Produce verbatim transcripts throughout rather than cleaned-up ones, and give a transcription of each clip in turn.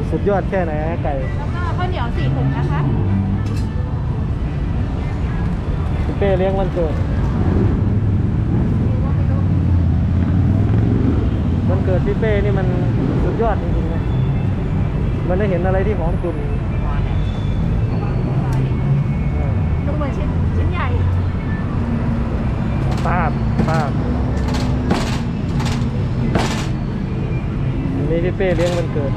สุดยอดแค่ไหนไก่แล้วก็ข้าวเหนียวสี่ถุงนะคะพี่เป้เลี้ยงวันเกิดวันเกิดพี่เป้นี่มันสุดยอดจริงๆนะมันได้เห็นอะไรที่หอมกลุ่นดูเหมือนชิ้นชิ้นใหญ่ปาบปาบอันนี้พี่เป้เลี้ยงวันเกิด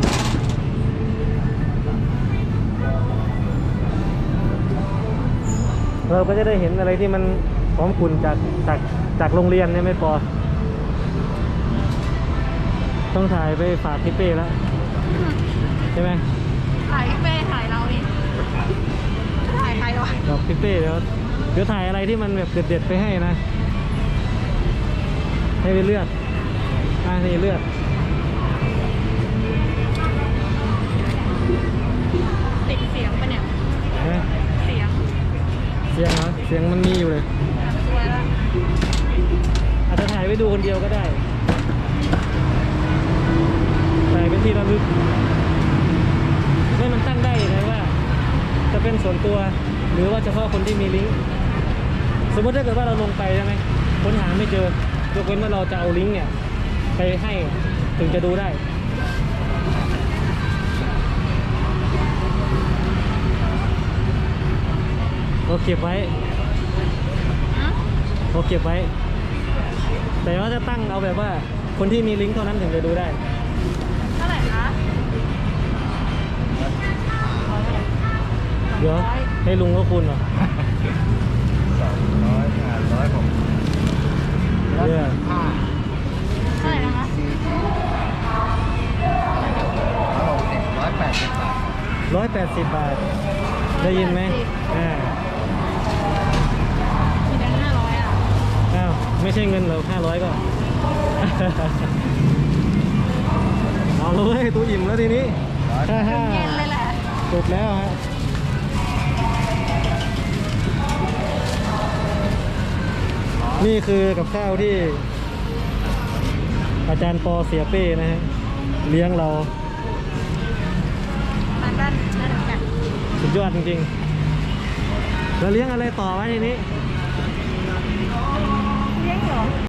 เราก็จะได้เห็นอะไรที่มันหอมกลุ่นจากจากจากโรงเรียนเนี่ยไม่พอต้องถ่ายไปฝากพี่เป้แล้วใช่ไหมถ่ายพี่เป้ถ่ายเราดิถ่ายใครวะกับพี่เป้เดี๋ยวเดี๋ยวถ่ายอะไรที่มันแบบเด็ดๆไปให้นะให้ไปเลือกอ่านี่เลือกติดเสียงปะเนี่ยเสียงเสียงเหรอเสียงมันมีอยู่เลยตัวละอาจจะถ่ายไว้ดูคนเดียวก็ได้ถ่ายเป็นที่ระลึกไม่มันตั้งได้นะว่าจะเป็นส่วนตัวหรือว่าเฉพาะคนที่มีลิงก์สมมติถ้าเกิดว่าเราลงไปใช่ไหมค้นหาไม่เจอยกเว้นว่าเราจะเอาลิงก์เนี่ยไปให้ถึงจะดูได้เราเก็บไว้เราเก็บไว้แต่ว่าจะตั้งเอาแบบว่าคนที่มีลิงก์เท่านั้นถึงจะดูได้เท่าไหร่คะเดี๋ยวให้ลุงก็คุณเหรอสองร้อยห้าร้อยผมเนี่ยห้าเท่าไหร่นะคะหกสิบร้อยแปดสิบบาทร้อยแปดสิบบาทได้ยินไหมอ่ามีแบงค์ห้าร้อยอ่ะอ้าวไม่ใช่เงินเหรอห้าร้อยก็ เอาเลยตัวอิ่มแล้วทีนี้ฮ่าฮ่าเย็นเลยแหละจบแล้วฮะนี่คือกับข้าวที่อาจารย์ปอเสียเป้นะฮะเลี้ยงเรามาด้านด้านหลังกันสุดยอดจริงๆแล้วเลี้ยงอะไรต่อไว้ทีนี้เลี้ยงเหรอ